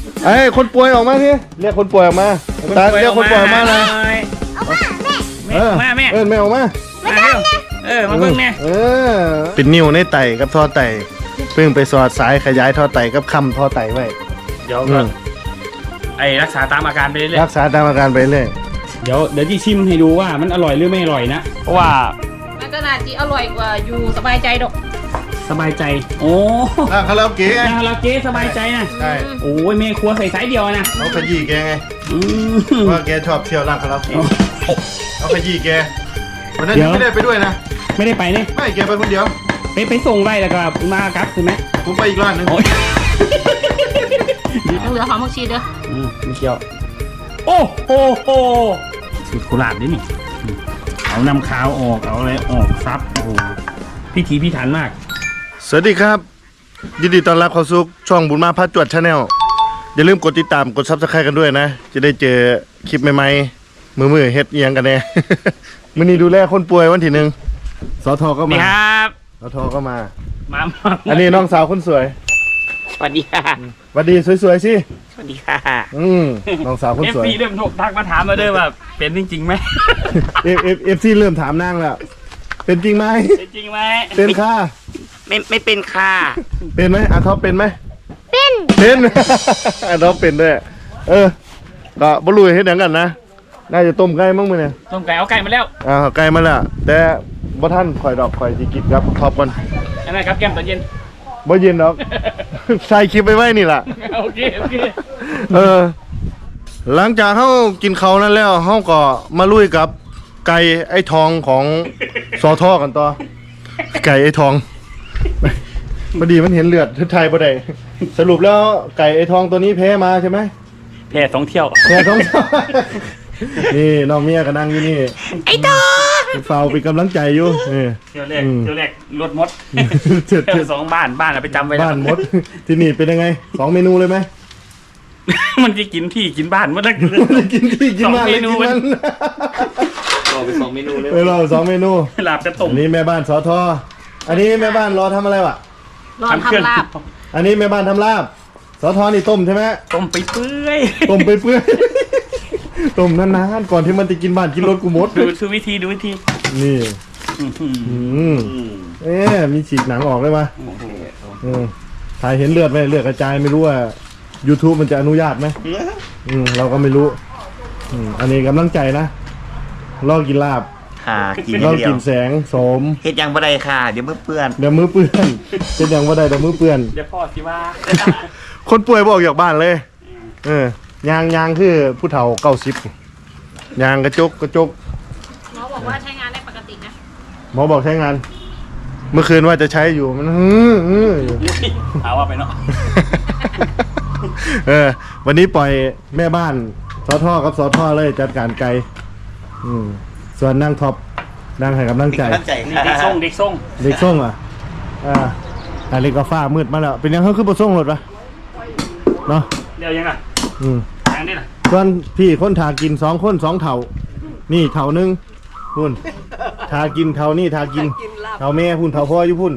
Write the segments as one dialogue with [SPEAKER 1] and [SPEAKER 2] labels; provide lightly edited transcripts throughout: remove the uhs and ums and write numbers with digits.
[SPEAKER 1] ไอ้คนป่วยออกมาสิเรียกคนป่วยออกมาตาเรียกคนป่วยออกมาเลย
[SPEAKER 2] มาแม่
[SPEAKER 1] แม่ออกมา
[SPEAKER 2] มาเร็วมาเบิ่งแม่
[SPEAKER 1] เป็นนิ้วในไตกับท่อไตเพิ่งไปสอดสายขยายท่อไตกับคำท่อไตไว้
[SPEAKER 2] เดี๋ยวก็ไอ้รักษาตามอาการไปเรื่อย
[SPEAKER 1] รักษาตามอาการไปเรื่อย
[SPEAKER 2] เดี๋ยวที่ชิมให้ดูว่ามันอร่อยหรือไม่อร่อยนะเพราะว่า
[SPEAKER 3] มันก็น่าจะอร่อยกว่าอยู่สบายใจดอก
[SPEAKER 2] สบายใจโอ้
[SPEAKER 1] คาราโอเกะไง
[SPEAKER 2] เราเจ๊สบายใจนะ
[SPEAKER 1] ใช่
[SPEAKER 2] โอ้ยแม่ครัวใส่สายเดียวนะ
[SPEAKER 1] เขาขยี้แกไงว่าแกชอบเที่ยวร้านคาราโอเกะเขาขยี้แกวันนั้นไม่ได้ไปด้วยนะ
[SPEAKER 2] ไม่ได้ไปนี่
[SPEAKER 1] ไม่แกไปคนเดียว
[SPEAKER 2] ไปส่งได้แล้วก็มาครับคือไหม
[SPEAKER 1] ผมไปอีกร้านหนึง
[SPEAKER 3] ยังเหลือหอมผักชีเด้อ
[SPEAKER 2] ไม่เกี่ยวโอ้โหสูตรโคราชด้วยนี่เอานำขาวออกเอาอะไรออกซับโอ้โหพิถีพิถันมาก
[SPEAKER 1] สวัสดีครับยินดีต้อนรับเข้าสู่ช่องบุญมาพาจวดชาแนลอย่าลืมกดติดตามกดซับสไครต์กันด้วยนะจะได้เจอคลิปใหม่ๆมือเฮ็ดเอียงกันแน่ มื้อนี้ดูแลคนป่วยวันที่หนึ่งสทก็มา
[SPEAKER 2] ครับ
[SPEAKER 1] สทก็มา
[SPEAKER 2] มา
[SPEAKER 1] อันนี้น้องสาวคนสวย
[SPEAKER 2] สวัสดีค่ะ
[SPEAKER 1] สวัสดีสวยๆสิ
[SPEAKER 2] สวัสดีค่ะ
[SPEAKER 1] น้องสาวคนสวย
[SPEAKER 2] FC เริ่มทักมาถามมาด้วยว่าเป็นจริงไหม
[SPEAKER 1] FC เริ่มถามนางแล้วเป็นจริงไหม
[SPEAKER 2] เป็นจริงไหม
[SPEAKER 1] เป็นค่ะ
[SPEAKER 2] ไม่เป็นค่ะ
[SPEAKER 1] เป็นไหมอาท็อปเป็นไหมเป็น อาท็อปเป็นด้วยก็บ่รู้เฮ็ดหยังกันนะน่าจะต้มไก่มั้งมื้อเนี่ย
[SPEAKER 2] ต้มไก่เอาไก่มาแล้ว
[SPEAKER 1] ไก่มาแล้วแต่บ่ทันข่อยดอกข่อยสิกินครับท็อปก่อน
[SPEAKER 2] อันนั้นครับแก้มตอนเย็น
[SPEAKER 1] บ่เย็นดอก ใส่คลิปไว้นี่ล่ะ
[SPEAKER 2] โอเค
[SPEAKER 1] หลังจากเฮากินข้าวนั้นแล้วเฮาก็มาลุยกับไก่ไอ้ทองของสอทอกันต่อไก่ไอ้ทองพอดีมันเห็นเลือดไทยบ่ได้สรุปแล้วไก่ไอ้ทองตัวนี้แพ้มาใช่ไหม
[SPEAKER 2] แพ้2 เที่ยว
[SPEAKER 1] แพ้ท้อง นี่น้องเมียก็นั่งอยู่นี่ไอ้ทองเฝ้าเป็นกำลังใจอยู่นี่
[SPEAKER 2] เที่ยวแรกรถมด
[SPEAKER 1] เจ็ด
[SPEAKER 2] เที่ยว2บ้านเอาไปจำไว้แล้ว
[SPEAKER 1] บ้านมดที่นี่เป็นยังไง2เมนูเลยไหม
[SPEAKER 2] มันจะกินที่กินบ้านมันได้
[SPEAKER 1] กินที่กินบ้านเลยกินนั้น
[SPEAKER 2] เราไป2 เมนูเลย
[SPEAKER 1] เรา2 เมนู
[SPEAKER 2] ลาบกระต้ม
[SPEAKER 1] อันนี้แม่บ้านสอทออันนี้แม่บ้านรอทำอะไรวะ
[SPEAKER 3] รอทำลาบ
[SPEAKER 1] อันนี้แม่บ้านทำลาบสอทอนี่ต้มใช่ไหม
[SPEAKER 2] ต้มไปเปื่อย
[SPEAKER 1] ต้มไปเปื่อย ต้มนานๆก่อนที่มันจะกินบ้านกินรถกูหมด
[SPEAKER 2] ดูวิธี
[SPEAKER 1] นี่
[SPEAKER 2] อื้อหือ
[SPEAKER 1] มีฉีกหนังออกเลยปะถ่ายเห็นเลือดไหมเลือดกระจายไม่รู้ว่า YouTube มันจะอนุญาตไหมเราก็ไม่รู้อันนี้กำลังใจนะลองกินลาบ
[SPEAKER 4] ค่ะกิน
[SPEAKER 1] ลอง
[SPEAKER 4] เดีย
[SPEAKER 1] กิ
[SPEAKER 4] วน
[SPEAKER 1] แสงโสม
[SPEAKER 4] เฮ็ดยังบ่ได้ค่ะ เดี๋ยวมือเปื้อน
[SPEAKER 1] เดี๋ยวมือเปื้อนเป็นอย่างว่าใดเดี๋ยวมือเปื้อน
[SPEAKER 2] เดี๋ยวพ่อสิว่า
[SPEAKER 1] คนป่วยบอกอยากบ้านเลยยางคือผู้เฒ่า90ยางกระจก
[SPEAKER 3] หมอบอกว่าใช้งานได้ปกตินะ
[SPEAKER 1] หมอบอกใช้งาน เมื่อคืนว่าจะใช้อยู่มันอยู่
[SPEAKER 2] เอาว่าไปเนาะ
[SPEAKER 1] วันนี้ปล่อยแม่บ้านสอท่อกับสอท่อเลยจัดการไกลส่วนนั่งท็อปนั่งให้กำลังใจ
[SPEAKER 4] ตั้งใจ
[SPEAKER 2] นี่
[SPEAKER 4] ค่ะ
[SPEAKER 2] เด็กส่ง
[SPEAKER 1] เด็กส่งอ่ะเล็กก็ฟ้ามืดมาแล้วเป็นยังเขาคือบ่ส่งรถปะเนาะ
[SPEAKER 2] เดี๋ยวยังอ่ะทางนี้ล่ะ
[SPEAKER 1] ส่วนพี่คนทากิน2 คน2 เท่านี่เท่านึงพุ่นทากินเท่านี่ทากินเท่าแม่พุ่นเท่าพ่ออยู่พุ่น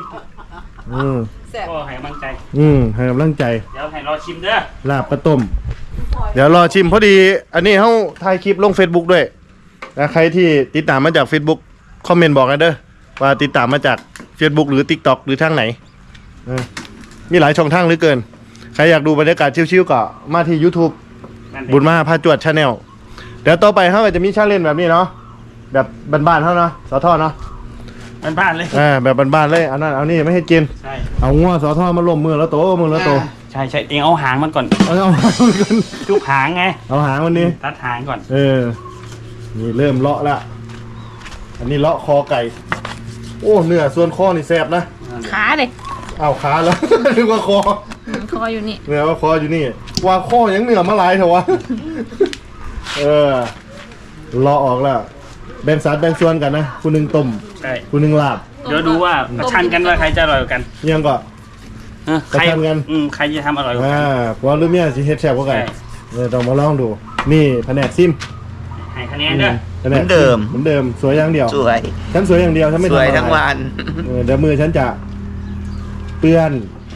[SPEAKER 2] ก็ให้กำลังใจ
[SPEAKER 1] ให้กำลังใจ
[SPEAKER 2] เดี๋ยวให้รอชิมเด้อ
[SPEAKER 1] ลาบปลาต้มเดี๋ยวรอชิมพอดีอันนี้เขาถ่ายคลิปลง Facebook ด้วยนะใครที่ติดตามมาจาก Facebook คอมเมนต์บอกกันเด้อว่าติดตามมาจาก Facebook หรือ TikTok หรือทางไหนมีหลายช่องทางเหลือเกินใครอยากดูบรรยากาศชิวๆก็มาที่ YouTube บุญมาพาจวดชาแนลเดี๋ยวต่อไปเขาก็จะมีชาเลนจ์แบบนี้เนาะแบบบ้านๆเขาเนาะสอทอเนาะ
[SPEAKER 2] บ้านเลย
[SPEAKER 1] แบบบ้านๆเลยเอานั่นเอานี่ไม่ให้กิน
[SPEAKER 2] ใช่
[SPEAKER 1] เอางัวสอทอมาล้มมือแล้วโต
[SPEAKER 2] ใช่เองเอาหางมันก่อน
[SPEAKER 1] เอา
[SPEAKER 2] จุกหางไง
[SPEAKER 1] เอาหางมันนี่
[SPEAKER 2] ตัดหางก่อน
[SPEAKER 1] นี่เริ่มเลาะละอันนี้เลาะคอไก่โอ้เนื้อส่วนคอนี่แซ่บนะ
[SPEAKER 3] ขาเลย
[SPEAKER 1] เอาขาแล้ว นึกว่าคอ
[SPEAKER 3] คออยู่นี่
[SPEAKER 1] เนื้อว่าคออยู่นี่ว่าคอยังเนื้อมาหลายเถอะวะ เลาะออกแล้วแบ่งสัดแบ่งส่วนกันนะคุณหนึ่งต้ม
[SPEAKER 2] ใช่
[SPEAKER 1] คุณหนึ่งลาบ
[SPEAKER 2] เดี๋ยวดูว่าประชันกันว่าใครจะอร่อยกว่ากัน
[SPEAKER 1] ยังก็ ประชันกัน
[SPEAKER 2] ใครจะทำอร่อยกว่ากัน
[SPEAKER 1] เพราะรุ่นเมียสิเฮ็ดแซ่บกว่ากัน
[SPEAKER 2] ใช่
[SPEAKER 1] ต้องมาลองดูนี่แผนกซิม
[SPEAKER 2] ให้คะแนนเด้อ
[SPEAKER 1] แผนกซิเหมือนเดิมสวยอย่างเดียว
[SPEAKER 4] สวย
[SPEAKER 1] ฉันสวยอย่างเดียวฉันไม่
[SPEAKER 4] ส
[SPEAKER 1] ทำ
[SPEAKER 4] วย
[SPEAKER 1] อะไร
[SPEAKER 4] ทั้งวัน
[SPEAKER 1] เดี๋ยวมือฉันจะเปื้อน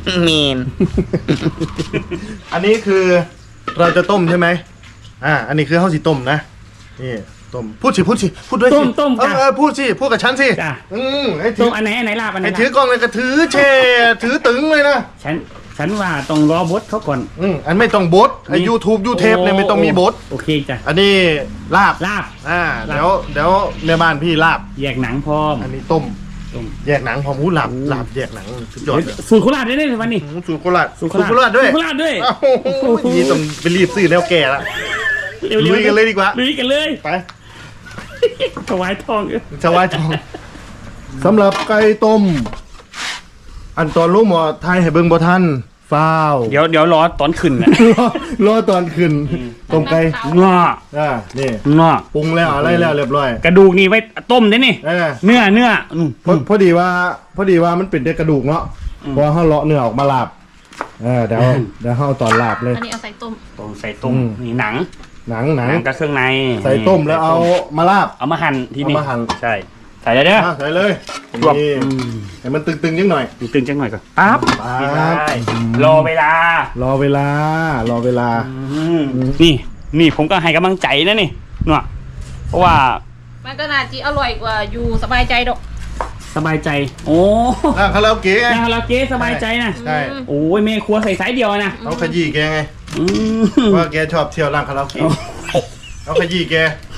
[SPEAKER 4] มีน
[SPEAKER 1] อันนี้คือเราจะต้มใช่ไหมอันนี้คือข้าวสีต้มนะนี่ต้มพูดด้วยสิ
[SPEAKER 2] ต้มจ้ะ
[SPEAKER 1] พูดสิพูดกับฉันสิ
[SPEAKER 2] จ้ะ
[SPEAKER 1] ให้ถื
[SPEAKER 2] ต้
[SPEAKER 1] อ
[SPEAKER 2] มอันไหนลาบอันไหน
[SPEAKER 1] ให้
[SPEAKER 2] ลา
[SPEAKER 1] ถือบ กล้องเลยก็ถือแช่ถือตึงเลยนะ
[SPEAKER 2] ฉันว่าต้องรอบดเขาก่อน
[SPEAKER 1] อันไม่ต้องบดไอ้ YouTube ยูเทปเนี่ยไม่ต้องมีบด
[SPEAKER 2] โอเคจ้ะ
[SPEAKER 1] อันนี้ลาบ
[SPEAKER 2] ลาบ
[SPEAKER 1] เดี๋ยวแม่บ้านพี่ลาบ
[SPEAKER 2] แยกหนังพร้อม
[SPEAKER 1] อันนี้ต้ม
[SPEAKER 2] ต้ม
[SPEAKER 1] แยกหนังพร้อมหูลาบแยกหนังสุดยอดเลย
[SPEAKER 2] สูตรโคราชได้เลยวันนี้
[SPEAKER 1] สูตรโคราช
[SPEAKER 2] สูตร
[SPEAKER 1] โคราชด้วย
[SPEAKER 2] สูตรโคราชด้วย
[SPEAKER 1] อ้าวนี่ต้องไปรีบซื้อแนวแก่ละ ลุยกันเลยดีกว่า
[SPEAKER 2] ลุยกันเลย
[SPEAKER 1] ไป
[SPEAKER 2] ถวายทอง
[SPEAKER 1] ชาวายทองสำหรับไก่ต้ม อันตอนลูกหมอไทยให้เบิ่งบ่ทันฟ้าว
[SPEAKER 2] เดี๋ยวรอตอนขึ้นนะ
[SPEAKER 1] รอตอนขึ้นต้มไก่
[SPEAKER 2] งอ
[SPEAKER 1] นี่
[SPEAKER 2] งอ
[SPEAKER 1] ปรุงแล้วอะไรแล้วเรียบร้อย
[SPEAKER 2] กระดูกนี่ไว้ต้มได้นี่ เนื้อ
[SPEAKER 1] พอดีว่ามันเป็นแต่กระดูกเนาะพอเฮาเลาะเนื้อออกมาลาบเดี๋ยวเฮาเอาตอนลาบเลย
[SPEAKER 3] อันนี้เอาใส่ต้ม
[SPEAKER 2] ใส่ต้มนี่หนัง
[SPEAKER 1] หนัง
[SPEAKER 2] กับเครื่องใน
[SPEAKER 1] ใส่ต้มแล้วเอามาลาบ
[SPEAKER 2] เอามาหั่นทีนี้
[SPEAKER 1] เอามาหั่น
[SPEAKER 2] ใช่ใส่เลยเด้อ
[SPEAKER 1] ใส่เลย
[SPEAKER 2] รวบ
[SPEAKER 1] นี่ให้มันตึงๆนิดหน่อย
[SPEAKER 2] ตึงจังหน่อยก่อนปั๊บ
[SPEAKER 1] ปั๊บ
[SPEAKER 2] ได้รอเวลาร
[SPEAKER 1] อเวลา
[SPEAKER 2] นี่ผมก็ให้กำลังใจนะนี่เนาะเพราะว่า
[SPEAKER 3] มันก็น่าจะอร่อยกว่าอยู่สบายใจดอก
[SPEAKER 2] สบายใจ โอ้
[SPEAKER 1] คาราโอเกะไง
[SPEAKER 2] แล้วเราเก๊สบายใจนะ
[SPEAKER 1] ใช่
[SPEAKER 2] โอ้ยแม่ครัวใส่สายเดียวนะ
[SPEAKER 1] เขาขยี้แกไง
[SPEAKER 2] อืม
[SPEAKER 1] ว่าแกชอบเที่ยวร้านคาราโอเกะเขาขยี้แก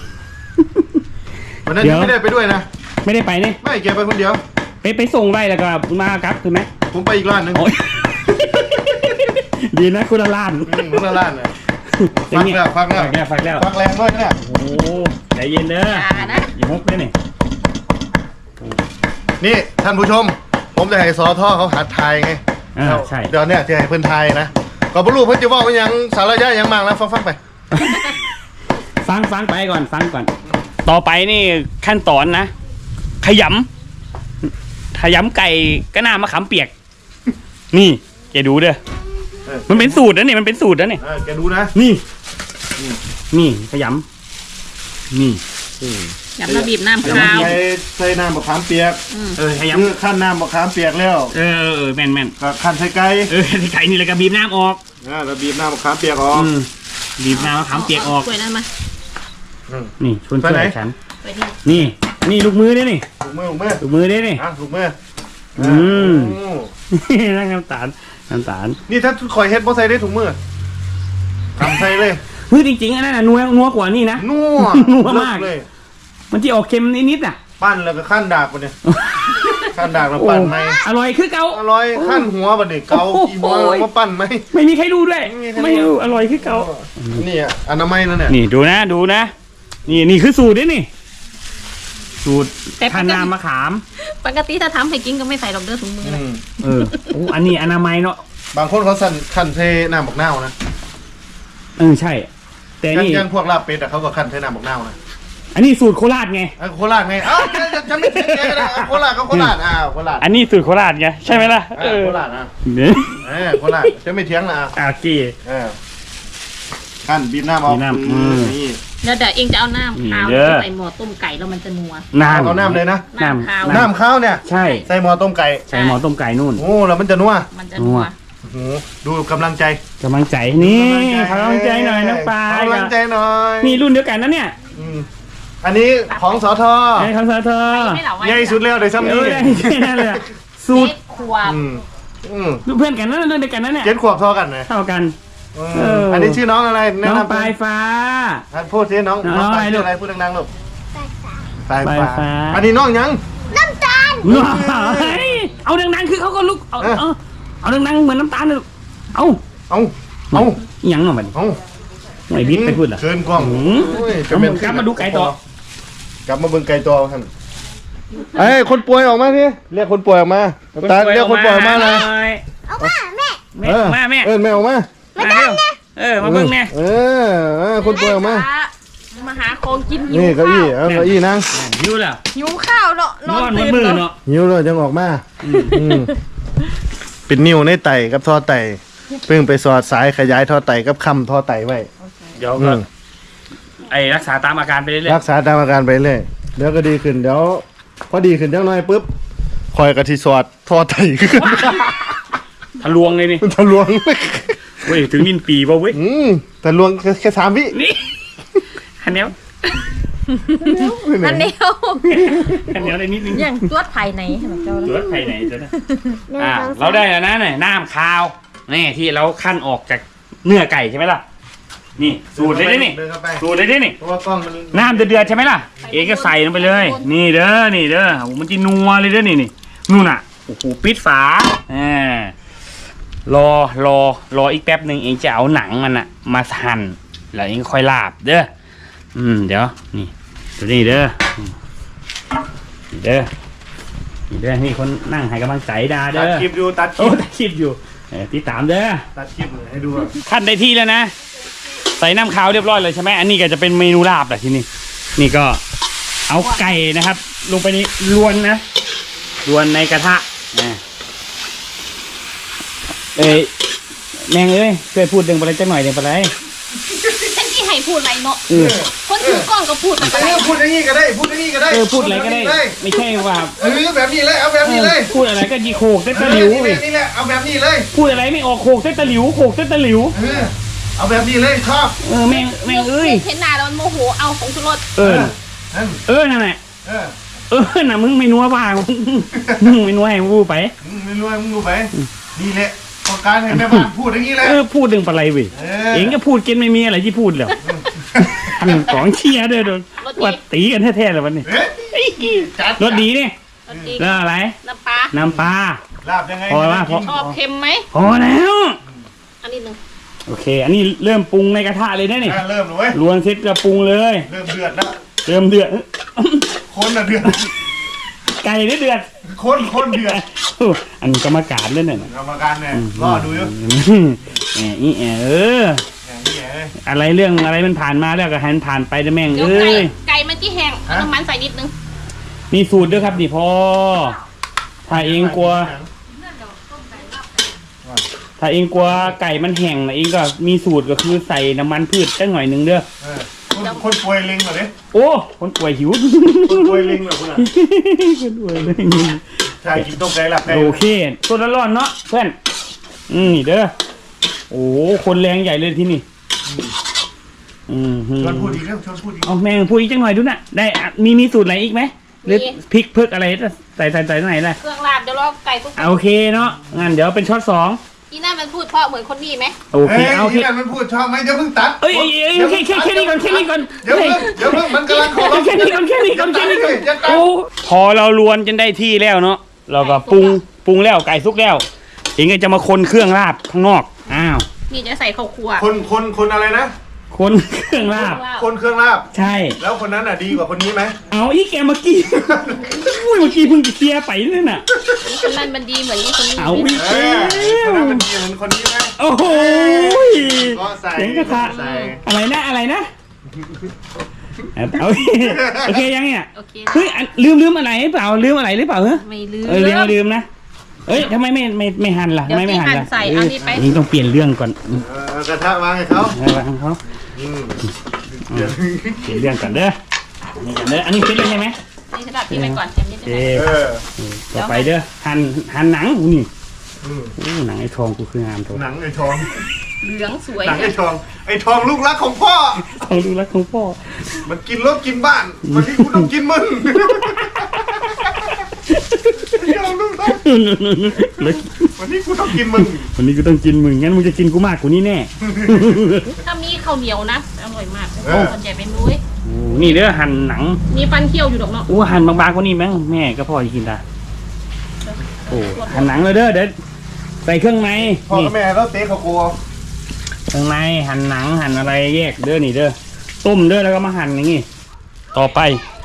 [SPEAKER 1] วันนั้นยังไม่ได้ไปด้วยนะ
[SPEAKER 2] ไม่ได้ไปนี่
[SPEAKER 1] ไม่แกไปคนเดียว
[SPEAKER 2] ไปส่งได้แล้วก็มาครับคือไหม
[SPEAKER 1] ผมไปอีกร้านหนึง
[SPEAKER 2] โอ้ย ดีนะคุณละล้าน
[SPEAKER 1] คนละร้านเลยฟักแล้ว
[SPEAKER 2] ฟักแล้ว
[SPEAKER 1] ฟักแรงด้วยเนี่ย
[SPEAKER 2] โอ้ใจเย็นเด้อ
[SPEAKER 3] อย่านะ
[SPEAKER 2] อย่ามุกเลยนี่
[SPEAKER 1] นี่ท่านผู้ชม ผมจะให้สอท่อเขาหัดทายไง
[SPEAKER 2] ใช่
[SPEAKER 1] เดี๋ยวเนี่ยจะให้เพื่อนทายนะก็บรรลุเพื่อนจะว่ามันยังสารยะยังมากแล้วฟังไป
[SPEAKER 2] ฟังไปก่อนฟังก่อน ต่อไปนี่ขั้นตอนนะขยำไก่ก็น่ามะขามเปียก นี่แกดูเด้อมันเป็นสูตรนะนี่มันเป็นสูตรนะนี่
[SPEAKER 1] แกดูนะ
[SPEAKER 2] นี่ขยำนี่
[SPEAKER 3] ยำระบีบน้ำขาว
[SPEAKER 1] ใส่น้ำมะขามเปียก
[SPEAKER 2] ข
[SPEAKER 1] คือขั้นน้ำมะขามเปียกแล้ว
[SPEAKER 2] แม่น
[SPEAKER 1] ก็ขั้นใส่ไก่
[SPEAKER 2] ไก่นี่แล้วก็บีบน้ำออก
[SPEAKER 1] แล้วบีบน้ำมะขามเปียกออก
[SPEAKER 2] บีบน้ำมะขามเปียกออก
[SPEAKER 3] ช่วยนั่นมา
[SPEAKER 2] นี่ชวน
[SPEAKER 1] ไปไหน
[SPEAKER 2] ฉัน
[SPEAKER 3] ไปที่
[SPEAKER 2] นี่ลูกมือด้วยนี่
[SPEAKER 1] ถูกมือ
[SPEAKER 2] ลูกมือด้วยนี่
[SPEAKER 1] ถูกมือ
[SPEAKER 2] นั่งน้ำตาล
[SPEAKER 1] นี่ถ้าคอยเฮ็ดบ่ใส่ได้ถุงมือทำใส่เลย
[SPEAKER 2] เฮ้ยจริงๆอันนั้นน่ะนัวกว่านี่นะ
[SPEAKER 1] นัว
[SPEAKER 2] นัวมาก
[SPEAKER 1] เลย
[SPEAKER 2] มันจะออกเค็มนิดๆอ่ะ
[SPEAKER 1] ปั้นแล้วก็ขั้นดากปะเนี่ยขั้นดากแล้วปั้นไหม
[SPEAKER 2] อร่อยคือเกา
[SPEAKER 1] อร่อยขั้นหัวปะเนี่ยเกาอีหัวแล้วมาปั้นไหม
[SPEAKER 2] ไม่มีใครดูด้วย ไม่รู้อร่อยคือเกา
[SPEAKER 1] นี่อ่ะอนามัยนั่นเนี่ย
[SPEAKER 2] นี่ดูนะนี่คือสูตรนี่ สูตรทานน้ำมะขาม
[SPEAKER 3] ปกติถ้าทำให้กินก็ไม่ใส่ดอกเด้อถุงมือนะ
[SPEAKER 2] โอ้อันนี้อนามัยเนาะ
[SPEAKER 1] บางคนเขาสั่นขั้นเทน้ำบักนาวนะ
[SPEAKER 2] ใช่ แต่นี่
[SPEAKER 1] ยังพวกลาบเป็ดอ่ะเขาก็ขั้นเทน้ำบักนาวนะ
[SPEAKER 2] อันนี้สูตรโคราชไง
[SPEAKER 1] โคราชไงจะไม่ถึงแกนะโคราชก็โคราชโคราช
[SPEAKER 2] อันนี้สูตรโคราชไงใช่ไหมล่ะ
[SPEAKER 1] โคราชโคราชจะไม่เถียงนะ
[SPEAKER 2] โอเค
[SPEAKER 1] ขั้นบีบน้ำเอา
[SPEAKER 2] บีบน้ำ
[SPEAKER 1] นี่
[SPEAKER 3] เดี๋ยวเองจะเอาน้ำขาว
[SPEAKER 2] เด้อ
[SPEAKER 3] ใส่หม้อต้มไก่แล้วมันจะนัว
[SPEAKER 1] เอาน้ำเลยนะ
[SPEAKER 3] น้ำขาว
[SPEAKER 1] น้ำข้าวเนี่ย
[SPEAKER 2] ใช่
[SPEAKER 1] ใส่หม้อต้มไก่
[SPEAKER 2] ใส่หมอต้มไก่นู่น
[SPEAKER 1] โอ้แล้วมันจะนัว
[SPEAKER 3] มันจะนัว
[SPEAKER 1] โอ้โหดูกำลังใจ
[SPEAKER 2] กำลังใจนี่ขอกำลังใจหน่อยน้องปลาก
[SPEAKER 1] ำลังใจหน่อย
[SPEAKER 2] นี่รุ่นเดียวกันนะเนี่ย
[SPEAKER 1] อันนี้ของสท
[SPEAKER 2] ไอ้คำสาเธอ
[SPEAKER 3] ไม่เหล่าไว้
[SPEAKER 1] ใหญ่สุดแล้วเลยซ้ำ
[SPEAKER 2] เอ
[SPEAKER 1] นี้
[SPEAKER 2] อได้แค่นั้นเลยอะสูตร
[SPEAKER 3] เจ็ดขวบ
[SPEAKER 2] เพื่อนกันนั่นเรื่องเดียวกันนั่นเนี่ย
[SPEAKER 1] เจ็ดขวบเท่ากันนะ
[SPEAKER 2] เท่ากัน
[SPEAKER 1] อันนี้ชื่อน้องอะไรแนะ
[SPEAKER 2] น้อง
[SPEAKER 1] นำ
[SPEAKER 2] ปลายฟ้า
[SPEAKER 1] พูดสิน้อง
[SPEAKER 2] น้อง
[SPEAKER 1] ปลาย
[SPEAKER 2] อะไร
[SPEAKER 1] ชื่
[SPEAKER 2] ลู
[SPEAKER 1] อก อะไรพูดดังๆลูกปลาย
[SPEAKER 2] ปลาย
[SPEAKER 1] ฟ้า
[SPEAKER 2] ฟ้า
[SPEAKER 1] อันนี้น้องยัง
[SPEAKER 2] เฮ้ยเอาดังๆคือเขาก็ลุกเอาดังๆเหมือนน้ำตาลเลยลูกเอา
[SPEAKER 1] เอา
[SPEAKER 2] หยังหน่อยมัน
[SPEAKER 1] เอา
[SPEAKER 2] ไอ้บิ๊กไปพูดเหรอ
[SPEAKER 1] เชิญกล้อง
[SPEAKER 2] กลับมาดูไก่ต่อก
[SPEAKER 1] ลับมาเบิ่งไก่ตัวท่านไอ้คนป่วยออกมาพี่เรียกคนป่วยออกมาตาเรียกคนป่วยออกมาเลย
[SPEAKER 2] เอามาแม่แม่มาแม่
[SPEAKER 1] แม่ออกมา
[SPEAKER 2] มาเร็วมาเบิ่งแม่
[SPEAKER 1] คนป่วยออกมา
[SPEAKER 3] มาหาของกินหิว
[SPEAKER 1] นี่เก้า
[SPEAKER 3] ข้า
[SPEAKER 1] อี้
[SPEAKER 3] ว
[SPEAKER 1] เอาเก้าอี้นั่ง
[SPEAKER 2] หิวแล้ว
[SPEAKER 3] หิวข้าวเนาะ
[SPEAKER 2] นอนมือเนาะ
[SPEAKER 1] หิวเลยจังออกมาเป็นนิ้วในไตกับท่อไตเพิ่งไปสอดสายขยายท่อไตกับคำท่อไตไว้
[SPEAKER 2] เดี๋ยวก็ไอ้รักษาตามอาการไปเรื่อย
[SPEAKER 1] รักษาตามอาการไปเรื่อยเดี๋ยวก็ดีขึ้นเดี๋ยวพอดีขึ้นจังหน่อยปุ๊บคอยกะทิสอดท่อไตขึ้น
[SPEAKER 2] ๆทะลวงเลยนี่
[SPEAKER 1] ทะลวง
[SPEAKER 2] เว้ยถึงนินปีป่ะเว้ย
[SPEAKER 1] ทะลวงแค่3 วิ
[SPEAKER 2] นี่อันเนี้ย
[SPEAKER 3] อันเดียว
[SPEAKER 2] อันเนี้ยได้นิดนึง
[SPEAKER 3] อย่างตรวจภายในให้เจ้า
[SPEAKER 2] เหลือภายในจ้ะนะเราได้แล้วนะเนี่ยน้ำคาวนี่ที่เราขั้นออกจากเนื้อไก่ใช่ไหมล่ะนี่สูตรเลยดินี่
[SPEAKER 1] เดินเข้าไป
[SPEAKER 2] สูตรเลยดินี่
[SPEAKER 1] เพราะว่ากล้องมัน
[SPEAKER 2] น้ำเดือดๆใช่ไหมล่ะเองก็ใส่ลงไปเลย นี่เด้อนี่เด้อโอ้โหมันจะนัวเลยเด้อนี่นู่นน่ะโอ้โหปิดฝารออีกแป๊บหนึ่งเองจะเอาหนังมันอะมาหั่นแล้วเองค่อยลาบเด้อเดี๋ยวนี่ดูนี่เด้อนี่เด้อนี่เด้อนี่คนนั่งให้กำลังใจดา
[SPEAKER 1] ตั
[SPEAKER 2] เด้
[SPEAKER 1] ด
[SPEAKER 2] อ
[SPEAKER 1] คลิปอยู่ตัดค
[SPEAKER 2] โอ้
[SPEAKER 1] ลิป
[SPEAKER 2] ตัดคลิปอยู่ติดตามเด้อ
[SPEAKER 1] ตัดคลิปเลยให้ดูอะ
[SPEAKER 2] ขั้นได้ที่แล้วนะ ใส่น้ำขาวเรียบร้อยเลยใช่ไหมอันนี้ก็จะเป็นเมนูลาบแหละที่นี่นี่ก็เอาไก่นะครับ ลงไปนี่ลวนนะลวนในกระทะนะแมงเอ้ยช่วยพูดดึงไปเลยจังหน่อยเดี๋ยวไปเลย
[SPEAKER 3] ฉันที่ให้พูดอะไรเนาะ
[SPEAKER 2] เออ
[SPEAKER 3] คนถือกล้องก็พูดไปเลย
[SPEAKER 1] พูดอย่างนี้ก็ได้พูดอย่างนี้ก็ได้
[SPEAKER 2] พูดอะไรก็ได้ ไม่ใช่ว่า
[SPEAKER 1] แบบนี้เลยเอาแบบนี้เลย
[SPEAKER 2] พูดอะไรก็ยีโขกเต้นตะหลิว
[SPEAKER 1] นี่แหละเอาแบบนี้เลย
[SPEAKER 2] พูดอะไรไม่ออกโขกเต้นตะหลิวโขกเต้นตะหลิว
[SPEAKER 1] เอาแบบนี้เลยชอบ
[SPEAKER 2] แมงเอ้ย
[SPEAKER 3] เห็นหน้าแล้วมันโมโหเอาของชุรส
[SPEAKER 2] นั่นแหละน่ะมึงไม่นัวบ้างมึงไม่นัวให้กูไป
[SPEAKER 1] ไม่รู้มึงดูไปนี่แหละต้องการให้แม่บ้านพูดอย่างนี้เลย
[SPEAKER 2] พูดเรื่องอะไรเว้ยเองก็พูดกินไม่มีอะไรที่พูดแล้วของเชียร์ด้วยโดนวัดตีกันแท้ๆเลยวันนี้รสดีนี่
[SPEAKER 3] รสดี
[SPEAKER 2] แล้วอะไร
[SPEAKER 3] น้ำปลา
[SPEAKER 2] น้ำปลา
[SPEAKER 1] ลาบยังไง
[SPEAKER 3] ชอบเค็มไหม
[SPEAKER 2] พอแล้ว
[SPEAKER 3] อันนี้หนึ่ง
[SPEAKER 2] โอเค อันนี้เริ่มปรุงในกระทะเลยนะนี่
[SPEAKER 1] เริ่มเลย
[SPEAKER 2] รวนเสร็จก็ปรุงเลย
[SPEAKER 1] เริ่มเดือดแล้ว
[SPEAKER 2] เริ่มเดือด
[SPEAKER 1] คนน่ะเดือด
[SPEAKER 2] ไก่ได้เดือด
[SPEAKER 1] คนเดือด
[SPEAKER 2] อันกรรมการเล่นน่ะ
[SPEAKER 1] กรรมการเนี่ยรอดูอยู่
[SPEAKER 2] อะไรเรื่องอะไรมันผ่านมาแล้วก็ให้มันผ่านไปนะแม่ง
[SPEAKER 3] เดี๋ยว
[SPEAKER 2] เอ้ย
[SPEAKER 3] ไก่มันที่แห้งเอาน้ำมันใส่นิดนึง
[SPEAKER 2] นี่สูตรด้วยครับนี่พอถ้าเองกลัวไก่มันแห้งนะเองก็มีสูตรก็คือใส่น้ำมันพืชจังหน่อยหนึงเด้อ
[SPEAKER 1] คนป่วยลิงเหรอเนี่ย
[SPEAKER 2] โอ้คนป่วยหิว
[SPEAKER 1] คนป่วยลิงเหรอคุณอ่ะ
[SPEAKER 2] คนป่วยเลย
[SPEAKER 1] ใช่กินต้มไก่หลับไก่
[SPEAKER 2] โอเคตัวร้อนๆเนาะเพื่อนนี่เด้อโอ้คนแรงใหญ่เลยที่นี่
[SPEAKER 1] ชวนพูดอีกแล้วชวนพูดอีก
[SPEAKER 2] เอาแม่งพูดอีกจังหน่อยดูน่ะได้มีสูตรอะไรอีกไหมหรือพริกเพิกอะไรใส่ตรงไหนล่ะ
[SPEAKER 3] เครื่องลาบเดี๋ยวรอไก่ทุก
[SPEAKER 2] โอเคเนาะงั้นเดี๋ยวเป็นช็อต2
[SPEAKER 3] อีน่ามันพูดเพราะเหมือนคนนี้ไหม
[SPEAKER 2] โอเคโอเค
[SPEAKER 1] นี่มันพูดชอบไหมเดี๋ยวเพิ่งตัด
[SPEAKER 2] เอ้ยแค่นี้ก่อน
[SPEAKER 1] เดี๋ยวเพิ่งมันกำลังขอ
[SPEAKER 2] แค่นี้ก่อนโอ้พอเราลวนจนได้ที่แล้วเนาะเราก็ปรุงแล้วไก่สุกแล้วเองก็จะมาคนเครื่องลาบข้างนอกอ้าว
[SPEAKER 3] นี่จะใส่ข้าวคั่ว
[SPEAKER 1] คนอะไรนะ
[SPEAKER 2] คนเครื่องลาบ
[SPEAKER 1] คนเครื่องลาบ
[SPEAKER 2] ใช่
[SPEAKER 1] แล้วคนนั้นอ่ะดีกว่าคนนี้ไหม
[SPEAKER 2] เอาอีแกเมื่อกี้อุ้ยเมื่อกี้เพิ่งเคลียร์ไปเลยน่ะ
[SPEAKER 3] คนนั้นมันดีเหมือนคนนี้
[SPEAKER 2] เอาอีก
[SPEAKER 1] คนนั้นมันดีเหมือนคนนี้ไหม
[SPEAKER 2] โอ้โห
[SPEAKER 1] ก็ใส่
[SPEAKER 2] เสียงกระทะ
[SPEAKER 1] ใส่
[SPEAKER 2] อะไรนะเอาโอเคยังเนี่ย
[SPEAKER 3] โอเค
[SPEAKER 2] เฮ้ยลืมอะไรหรือเปล่าลืมอะไรหรือเปล่าเหรอ
[SPEAKER 3] ไม่ลืม
[SPEAKER 2] ลืมนะเอ้ยทำไมไม่หั่นล่ะทำไมไม่หั่นล่ะ
[SPEAKER 3] เดี๋ยวพี่หั่นใส่เอานี่ไป
[SPEAKER 2] นี่ต้องเปลี่ยนเรื่องก่อน
[SPEAKER 1] กระทะวางให้เขา
[SPEAKER 2] วางเขาเปลี่ยนเรื่องก่อนเด้อนี่ก่อนเด้ออันนี้ฟิตเลยใช่ไหม
[SPEAKER 3] นี่สำหรับพี่ไปก่อนเต็มนิด
[SPEAKER 2] โอ
[SPEAKER 3] นึ
[SPEAKER 2] เค
[SPEAKER 3] ง
[SPEAKER 2] ต่อไปเด้อหั่นหนังนี่หนังไอ้ทองกูคืองามตัว
[SPEAKER 1] หนังไอ้ทอง
[SPEAKER 3] เหลืองสวย
[SPEAKER 1] หนังไอ้ทองลูกรักของพ่อ
[SPEAKER 2] ของดูรักของพ่อ
[SPEAKER 1] มันกินรถกินบ้านวันนี้กูต้องกินมึงวันนี้กูต้องกินมึง
[SPEAKER 2] วันนี้กูต้องกินมึงงั้นมึงจะกินกูมากกว่านี้แน่
[SPEAKER 3] ถ้ามีข้าวเหนียวนะอร่อยมากส่วนใหญ่เป็นนุ้ย
[SPEAKER 2] โอ้นี่เด้อหั่นหนัง
[SPEAKER 3] มีฟันเคี้ยวอยู่ดอกเนาะ
[SPEAKER 2] โอ้หั่นบางๆกว่านี้มั้งแม่ก็พ่อจะกินได้โอ้หั่นหนังเลยเด้อเดี๋ยวใส่เครื่องใน
[SPEAKER 1] พ่อ
[SPEAKER 2] นี่
[SPEAKER 1] กับแม่แล้วเต๊ะเขากลัว
[SPEAKER 2] เครื่องในหั่นหนังหั่นอะไรแยกเด้อนี่เด้อต้มเด้อแล้วก็มาหั่นอย่างงี้ต่อไป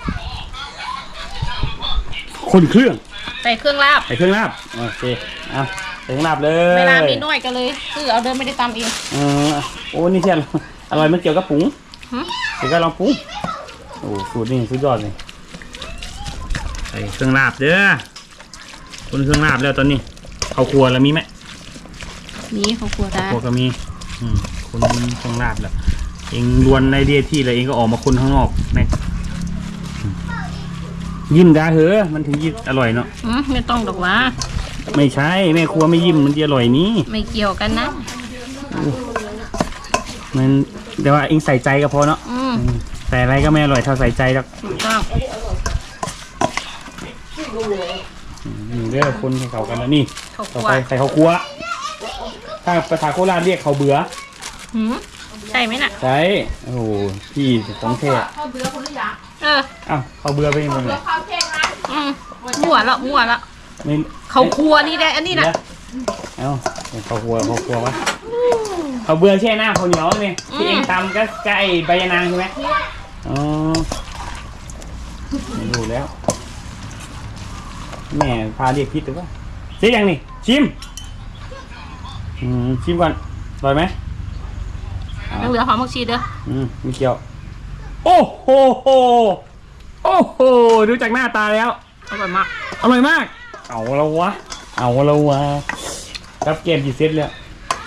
[SPEAKER 2] คนเครื่อง
[SPEAKER 3] ใส่เครื่องลาบ
[SPEAKER 2] ใส่เครื่องลาบโอเคเอาใส่เครื่องลาบเลย
[SPEAKER 3] เวลามีน้อยก็เลยซื้อเอาเดินไม่ได้ตำเอง
[SPEAKER 2] โอ้นี่เที่ยอร่อยมันเกี่ยวกับปุ๋ง
[SPEAKER 3] ฮะ
[SPEAKER 2] เดี๋ยวก็ลองปุ๋งโอ้สูตรนี่สุดยอดเลยใส่เครื่องลาบเด้อคนเครื่องลาบแล้วตอนนี้ข้าวครัวแล้วมีไหม
[SPEAKER 3] นี่เขาครัวได้
[SPEAKER 2] พวกก็มีคนต้องลาบแหละเองล้วนในเดียที่แล้วเองก็ออกมาคนข้างนอกในยิ้มดาเหอะมันถึงยิ้มอร่อยเนาะ
[SPEAKER 3] ไม่ต้องดอกว่า
[SPEAKER 2] ไม่ใช่แม่ครัวไม่ยิ้มมันจะอร่อยนี้
[SPEAKER 3] ไม่เกี่ยวกันนะ
[SPEAKER 2] มันแต่ว่าเองใส่ใจก็พอเนาะ
[SPEAKER 3] อืม
[SPEAKER 2] แต่อะไรก็ไม่อร่อยเท่าใส่ใจหรอก
[SPEAKER 3] ถูกต้อง
[SPEAKER 2] นี่เด้อคนให้เขากันแล้วนี่
[SPEAKER 3] ข้าว
[SPEAKER 2] ต่อ
[SPEAKER 3] คั่ว
[SPEAKER 2] ไปใส่ข้าวคั่วถ้าภาษาโคราชเรียกข้าวเบื่อ
[SPEAKER 3] หืมใช่ไหมน่ะ
[SPEAKER 2] ใช่โอ้โหพี่ของแท้
[SPEAKER 3] เออ
[SPEAKER 2] อ้าวข้าวเบื่อไปยังไง
[SPEAKER 3] อืมมั่วละมั่วละ
[SPEAKER 2] ไม่
[SPEAKER 3] เขาครัวนี่ได้อันนี้นะ
[SPEAKER 2] เอ้าข้าวคั่ววะข้าวเบื่อแช่หน้าข้าวเหนียวนี่ที่เองทำก็ไก่ใบยะนางใช่ไหมอ๋อไม่รู้แล้วแม่พาเรียกพิษหรือเปล่าเสียยังนี่ชิมชิมก่อนอร่อยไหม
[SPEAKER 3] ยังเหลือหอมผักชีเด้อ
[SPEAKER 2] มีเกี่ยวโอ้โหโอ้โหดูจากหน้าตาแล้ว
[SPEAKER 3] อร่อยมาก
[SPEAKER 2] อร่อยมากเอาแล้ววะรับเกมกี่เซตแล้ว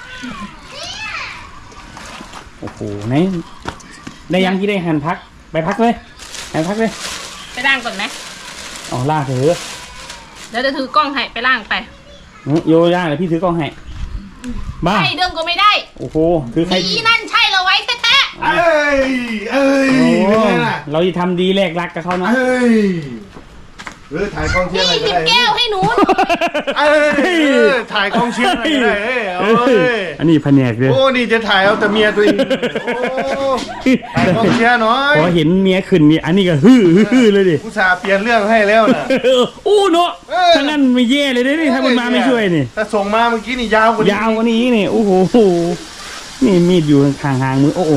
[SPEAKER 2] โอ้โหไหนได้ยังที่ได้หันพักไปพักเลยหันพักเลย
[SPEAKER 3] ไปล้างก่อนไหม
[SPEAKER 2] เอาล่าเถอะ
[SPEAKER 3] เดี๋ยวจะถือกล้องให้ไปล้างไป
[SPEAKER 2] โยย่าเดี๋ยวพี่ถือกล้องให้บ้า
[SPEAKER 3] ใช่เดิมก็ไม่ได้
[SPEAKER 2] โอ้โหถือใคร
[SPEAKER 3] อีนั่นใช่เราไว้แต๊ะ
[SPEAKER 1] เอ้ยเป็นไงล่ะ
[SPEAKER 2] เราจะทำดีแลกรักกับเขาเนาะ
[SPEAKER 1] เอ้ยถ่ายกองเชียร์อะไร
[SPEAKER 3] พี่
[SPEAKER 1] ก็
[SPEAKER 3] หยิบ
[SPEAKER 1] ได้
[SPEAKER 3] แก้วให้หนู
[SPEAKER 1] เอ้ยถ่ายกองเชียร์อะไรก็ได้เอ้ย
[SPEAKER 2] อันนี้แผนกเลย
[SPEAKER 1] โอ้นี่จะถ่ายเอาแต่เมียตัวเองโอ้ถ่ายกองเชียร์หน่อย
[SPEAKER 2] พอเห็นเมียขึ้นนี่อันนี้ก็ฮือเลยดิ
[SPEAKER 1] อุตส่าห์เปลี่ยนเรื่องให้แล้วน่ะ
[SPEAKER 2] อู้เนาะ
[SPEAKER 1] เออ
[SPEAKER 2] ถ้างั้นไม่แย่เลยนี่ถ้ามันมาไม่ช่วยนี่
[SPEAKER 1] ถ้าส่งมาเมื่อกี้นี่ยาวกว่านี้
[SPEAKER 2] ยาวกว่านี้นี่โอ้โหนี่มีดอยู่ห่างๆมือโอ้โห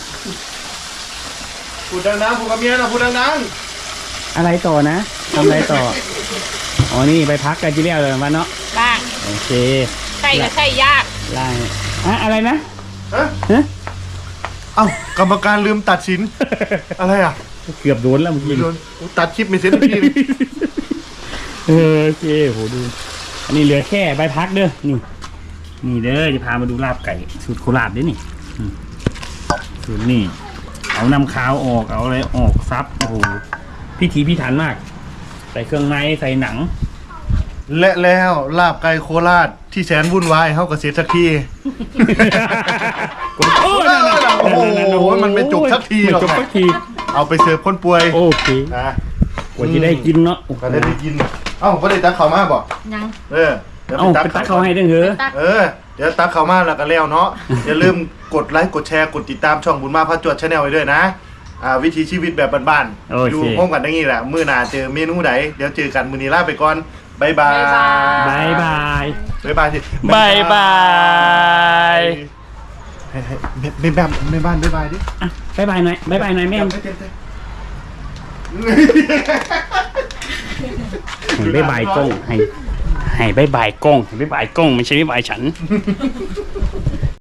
[SPEAKER 1] พูดดังๆพูดกับเมียนะพูดดัง
[SPEAKER 2] อะไรต่อนะทำอะไรต่ออ๋อนี่ไปพักกันจีเรียเลยมาเนาะ
[SPEAKER 3] ล้าง
[SPEAKER 2] โอเค
[SPEAKER 3] ใช่ก็ใช่ยาก
[SPEAKER 2] ล่างอะไรนะ
[SPEAKER 1] ๆฮะ
[SPEAKER 2] ฮะ
[SPEAKER 1] เอ้ากรรมการลืมตัดสินอะไรอ่ะ
[SPEAKER 2] เกือบโดนแล้วเมื่อกี้
[SPEAKER 1] โดนตัดคลิปไม่เสร็จเมื่อกี้
[SPEAKER 2] โอเคโหดูอันนี้เหลือแค่ใบพักเด้อนี่เด้อจะพามาดูลาบไก่สูตรโคราชด้วยนี่สูตรนี่เอานำขาวออกเอาอะไรออกซับโอ้โหพิถีพิถันมาก ใส่เครื่องในใส่หนัง
[SPEAKER 1] และแล้วลาบไก่โคราชที่แสนวุ่นวายเฮาก็เสร็จสักที
[SPEAKER 2] โอ้นั่นน่ะ
[SPEAKER 1] โอ้โหมันไม่จบสักทีหรอก
[SPEAKER 2] ไม่จบสักที
[SPEAKER 1] เอาไปเสิร์ฟคนป่วย
[SPEAKER 2] โอเค
[SPEAKER 1] นะ
[SPEAKER 2] กว่าจะได้กินเนาะโอ้โห
[SPEAKER 1] ก็ได้กินเอ้าบ่ได้ตักข้าวมาบ่
[SPEAKER 3] ยัง
[SPEAKER 1] เดี๋ยว
[SPEAKER 2] เอ้าไปตักเขาให้ด้วยเหรอ
[SPEAKER 3] ตัก
[SPEAKER 1] เดี๋ยวตักข้าวมาแล้วก็แล้วเนาะ อย่าลืมกดไลค์กดแชร์กดติดตามช่องบุญมาพระจวดชาแนลไว้ด้วยนะวิถีชีวิตแบบบ้าน
[SPEAKER 2] โอเค
[SPEAKER 1] ๆอยู่ห้องกันอย่างนี้แหละมื้อหน้าเจอเมนูไหนเดี๋ยวเจอกันมื้อนี้ลาไปก่อนบ๊ายบาย
[SPEAKER 2] บายบาย
[SPEAKER 1] บ๊ายบายสิ
[SPEAKER 2] บายบาย
[SPEAKER 1] ให้แม่บ้านบ๊ายบายดิ
[SPEAKER 2] อ่ะบายบายหน่อยบายบายหน่อยแม่
[SPEAKER 1] ให้เต็ม
[SPEAKER 2] ให้บายบายกล้องให้บายบายกล้องให้บายบายกล้องไม่ใช่บายบายฉัน